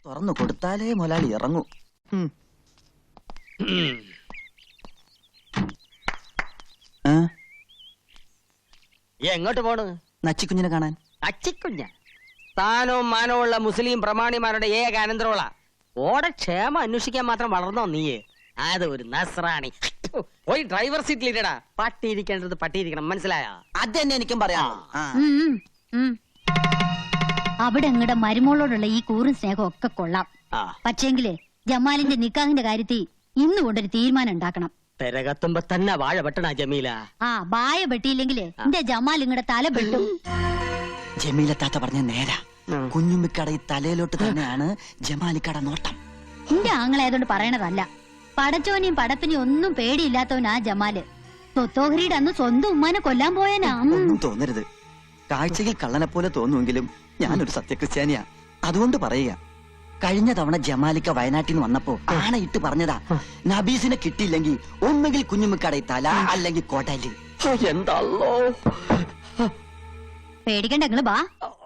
തുറന്നു കൊടുത്താലേ മുതലാളി ഇറങ്ങൂ. എങ്ങോട്ട് പോണ്? നച്ചിക്കുഞ്ഞിനെ കാണാൻ. അച്ചിക്കുഞ്ഞ സ്ഥാനവും മാനവും ഉള്ള മുസ്ലിം പ്രമാണിമാരുടെ ഏക അനന്തരമുള്ള ഓടെ ക്ഷേമം അന്വേഷിക്കാൻ മാത്രം വളർന്നോ നീയെ? അത് ഒരു നസ്രാണി. പോയി ഡ്രൈവർ സീറ്റിലിരടാ. പട്ടിയിരിക്കേണ്ടത് പട്ടിയിരിക്കണം, മനസ്സിലായോ? അത് തന്നെ എനിക്കും പറയാം. അവിടെ അങ്ങടെ മരുമോളോടുള്ള ഈ കൂറും സ്നേഹം ഒക്കെ കൊള്ളാം. പക്ഷേങ്കില് ജമാലിന്റെ നിക്കാഹിന്റെ കാര്യത്തിൽ ഇന്ന് കൊണ്ടൊരു തീരുമാനം ഉണ്ടാക്കണം. പെരകത്തുമ്പോ തന്നെ വാഴ വെട്ടണ ജമീല. വായ വെട്ടിയില്ലെങ്കിലേ എന്റെ ജമാൽ ഇങ്ങടെ തല വെട്ടും. ജമീല താത്ത പറഞ്ഞ നേരാ. കുഞ്ഞുമ്മിക്കട ഈ തലയിലോട്ട് തന്നെയാണ് ജമാലിക്കട നോട്ടം. എന്റെ ആങ്ങളായതുകൊണ്ട് പറയണതല്ല. പടച്ചോനെയും പടപ്പിനെയും ഒന്നും പേടിയില്ലാത്തവനാ ജമാല്. തൊത്തോഹരിയുടെ അന്ന് സ്വന്തം ഉമ്മാനെ കൊല്ലാൻ പോയനാ. ഒന്നും തോന്നരുത്. കാഴ്ചയിൽ കള്ളനെ പോലെ തോന്നുമെങ്കിലും ഞാനൊരു സത്യക്രിസ്ത്യാനിയാ. അതുകൊണ്ട് പറയുക, കഴിഞ്ഞ തവണ ജമാലിക്ക വയനാട്ടിൽ നിന്ന് വന്നപ്പോ ആണയിട്ട് പറഞ്ഞതാ, നബീസിനെ കിട്ടിയില്ലെങ്കിൽ ഒന്നുകിൽ കുഞ്ഞുമ്മിക്കട തല അല്ലെങ്കിൽ കോട്ടല്. എന്താ പേടിക്കണ്ട, നിങ്ങള് വാ.